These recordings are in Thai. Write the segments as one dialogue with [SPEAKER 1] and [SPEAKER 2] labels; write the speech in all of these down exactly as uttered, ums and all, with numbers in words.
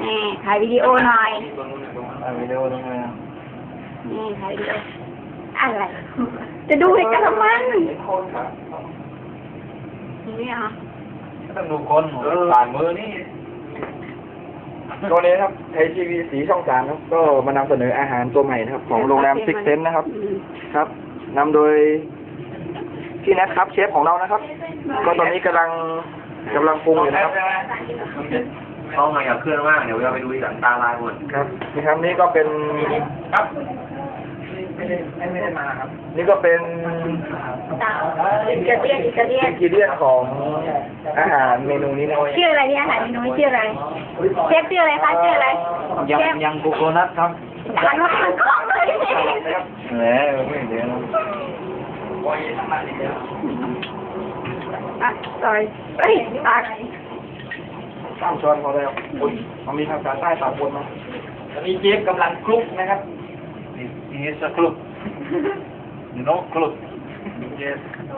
[SPEAKER 1] นี่ถ่ายวิดีโอหน่อย
[SPEAKER 2] ถ่ายวิดีโอตรงไหน
[SPEAKER 1] นี่ถ่ายวิดีโออะไรจะดูให้กันทำไมนี่อ่ะ
[SPEAKER 2] ต้องดูคนผ่านมือนี่
[SPEAKER 3] ตัวนี้นะครับไทยทีวีสีช่องสามครับก็มานำเสนออาหารตัวใหม่นะครับ ของโรงแรมซิกเซนนะครับ ครับนำโดยพี่แนทครับเชฟของเรานะครับ ก็ตอนนี้กำลังกำลังปรุงอยู่นะครับ
[SPEAKER 2] เขามาอยากเคลื่อนมากเดี๋ยวเราไปดูที่หลังตาลายหมด
[SPEAKER 3] ครับนี่ครับนี่ก็เป็น
[SPEAKER 2] ครับไม่ได้ไม่ได้มาครับ
[SPEAKER 3] นี่ก็เป็น
[SPEAKER 1] อิตาเลียนอิตาเลียน
[SPEAKER 3] อินกิเดียนของอาหารเมนูนี้นะ
[SPEAKER 1] ชื่ออะไรเนี่ยอาหารเมนูนี้ชื่ออะไรเชฟชื่ออะไรคะชื่ออะไร
[SPEAKER 2] ยัง
[SPEAKER 1] เชฟ
[SPEAKER 2] ยังโกโก้นัทครับ
[SPEAKER 1] หันมาทางกล้องเลย
[SPEAKER 3] แหมไม่เดี๋ยวนะ
[SPEAKER 1] อ่ะ sorry เฮ้ยตัก
[SPEAKER 3] ข้ามช้อนพอแล้วอุ้ยมันมีภาษาใต้สามคนมาตอนนี้เชฟกำลังคลุกนะครับ
[SPEAKER 2] นี่สักครุกนี่น้องครุก
[SPEAKER 3] yes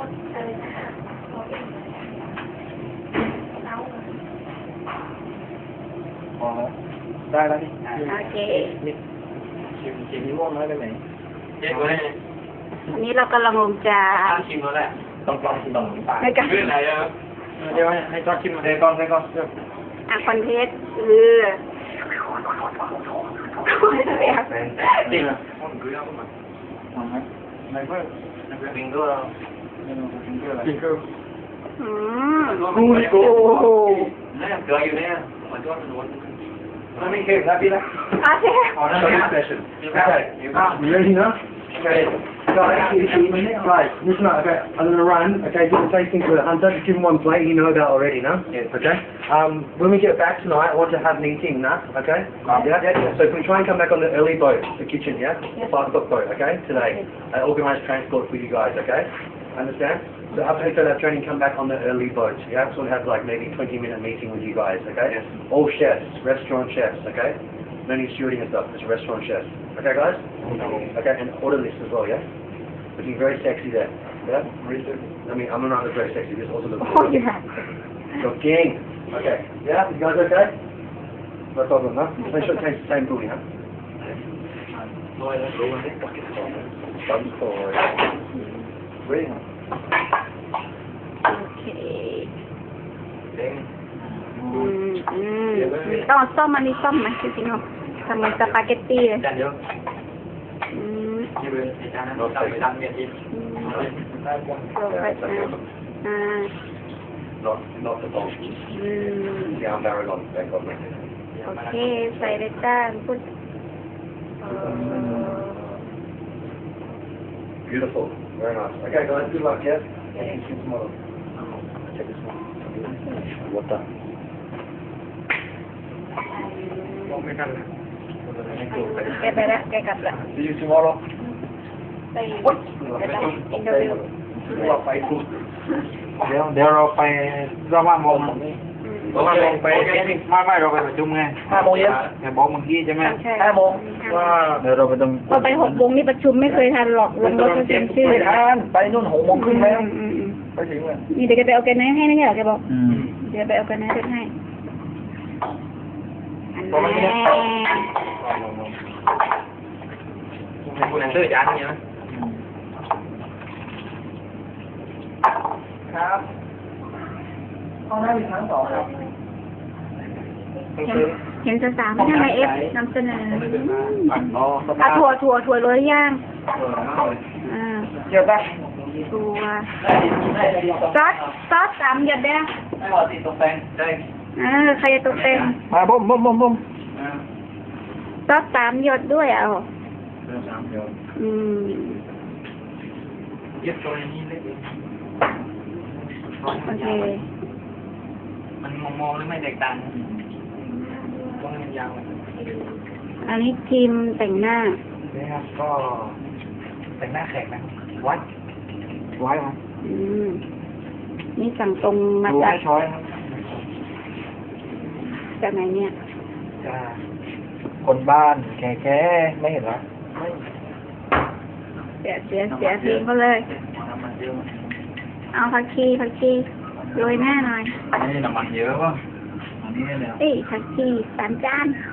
[SPEAKER 3] พอแล้วได้แล้วนี่
[SPEAKER 1] โอเค
[SPEAKER 3] นี่ชิมชิมม่วงน้อยไปไหน
[SPEAKER 2] เจ๊ก็ได้
[SPEAKER 1] อันนี้เรากำลังลงจา
[SPEAKER 2] ตั้งชิมแล้วแหละ
[SPEAKER 3] ต้องลองชิมต้องปาก
[SPEAKER 1] ในการ
[SPEAKER 2] เรื่องไหนอ่ะ
[SPEAKER 3] เดี๋ยวให้ให้จอดชิมเดี๋ยวก่อนเดี๋ยวก่อน
[SPEAKER 1] อ่ะคอนเทสต์คือ
[SPEAKER 3] จริงเหรอ
[SPEAKER 2] ไม่เพิ่มบิงก็บิงก็
[SPEAKER 1] อืม
[SPEAKER 3] โอ้โห
[SPEAKER 2] เนี่ยเกลืออยู่เนี่ยมันก็ล้วน
[SPEAKER 3] มันไม่เค็มนะพี่นะ
[SPEAKER 1] โอเค
[SPEAKER 2] อ๋อนั่นคือ special okay
[SPEAKER 4] You ready now? Okay. Right, right, listen up, okay. I'm gonna run, okay, do the tasting for the hunter, just give him one plate, you know that already, no?
[SPEAKER 2] Yes.
[SPEAKER 4] Okay? Um, when we get back tonight, I want to have meeting, nah? Okay? Yeah, yeah, yeah. So can we try and come back on the early boat, the kitchen, yeah? The five o'clock boat, okay? Today. I organise transport for you guys, okay? Understand? So after we that training, come back on the early boat, yeah? So we'll have like maybe twenty minute meeting with you guys, okay?
[SPEAKER 2] Yes.
[SPEAKER 4] All chefs, restaurant chefs, okay? No need stewarding and stuff, just restaurant chefs. Okay, guys? Okay, and order list as well, yeah? Looking very sexy there. Yeah? I mean, I'm not very sexy, just also looking
[SPEAKER 1] Oh, yeah.
[SPEAKER 4] Looking. Okay. Yeah, you guys okay? No problem, huh? Make sure it tastes the same food, huh? Some for Really?
[SPEAKER 1] โอเคอืมอืมต้องเอาส้มอันนี้ส้มไหมจริงๆเหรอทำเหมือนสปาเกตตี้เลย
[SPEAKER 2] จานเดียว
[SPEAKER 1] อืม
[SPEAKER 2] ที่เป็นจานนั้นเราไปทำเมียที
[SPEAKER 1] อืมโรยไปอ่า
[SPEAKER 4] Not, not the bomb.
[SPEAKER 1] อืม
[SPEAKER 4] Yeah, I'm very long. Thank God.
[SPEAKER 1] โอเค ใส่เลยจ้าพูดเอ่อ
[SPEAKER 4] Beautiful. Very nice. Okay, guys, good luck, yeah? Yeah. See you tomorrow. Take this one. Water.
[SPEAKER 1] แกไปแล้วแกกลับแล้ว
[SPEAKER 4] See you tomorrow.
[SPEAKER 1] ไปไปไปอินเตอร์วิว
[SPEAKER 4] ว่าไปคุก
[SPEAKER 3] เดี๋ยวเดี๋ยวเราไปเราว่ามอง
[SPEAKER 2] เพราะว่าลงไป
[SPEAKER 3] ไม่ไม่เราไปประชุมไง
[SPEAKER 4] ห้าโมงเย็น
[SPEAKER 3] แต่บอกเมื่อกี้ใช่ไหม
[SPEAKER 1] ใช่
[SPEAKER 4] ห้าโมง
[SPEAKER 3] ว่าเดี๋ยวเราไปตรง
[SPEAKER 1] พอไปหกโมงนี่ประชุมไม่เคยทันหรอกลงรถก็เซ็นชื่อ
[SPEAKER 3] ไม่ทันไปนู่นหกโมงครึ่งแล้ว
[SPEAKER 1] อืมอืมอืม
[SPEAKER 3] ไปถึงเลย
[SPEAKER 1] นี่เดี๋ยวจะไปเอาแกนไนให้ไม่ใช่เหรอแกบอก
[SPEAKER 3] อืม
[SPEAKER 1] เดี๋ยวไปเอาแกนไนให้อัน
[SPEAKER 3] ประมาณนี้
[SPEAKER 1] แน่
[SPEAKER 2] ให้คุณเลือกจานนี้นะ
[SPEAKER 3] ครับห้องน้ำมีชั้นสองครับ
[SPEAKER 1] เห็นเห็นสาวๆไม่ทำไมเอฟนำเสนอ
[SPEAKER 3] อ๋อส
[SPEAKER 1] อ่ะ
[SPEAKER 3] ภาพ
[SPEAKER 1] ถั่วถั่วถั่วโรยย่างอ่า
[SPEAKER 3] เกี่ยวปะ
[SPEAKER 1] ถั่วซอสซอสสามหยดได้
[SPEAKER 2] ไม่พอติดตกแต่งได้
[SPEAKER 1] อ่าใครจะตกแต่ง
[SPEAKER 3] มาบ่มบ่มบ่มบ่ม
[SPEAKER 1] ซอสสามหยดด้วยอ่ะอ๋ออืม
[SPEAKER 2] ยึดตัวนี้เล็ก
[SPEAKER 1] โอเค
[SPEAKER 2] มันมองๆหรือไม่แตกต่างต้องมันยาว
[SPEAKER 1] อันนี้ทีมแต่งหน้า
[SPEAKER 3] นี่ครับก็
[SPEAKER 2] แต่งหน้าแขกนะวัด
[SPEAKER 3] ไว้ครับ
[SPEAKER 1] อืมนี่สั่งตรงมา
[SPEAKER 3] ดู
[SPEAKER 1] จาก
[SPEAKER 3] ให้ช้อยครับ
[SPEAKER 1] จากไหนเนี่ย
[SPEAKER 3] จ้าคนบ้านแก่แก่ไม่เห็นเหรอไม่
[SPEAKER 1] เสียเสียเสียทีมเขาเลย
[SPEAKER 2] น้ำมันเยอะ
[SPEAKER 1] เอาผักชีผักชีโรยหน้าหน่อย
[SPEAKER 2] นี่น้ำมันเยอะวะมันนี้เลย
[SPEAKER 1] เอ้ยผักชีสามจาน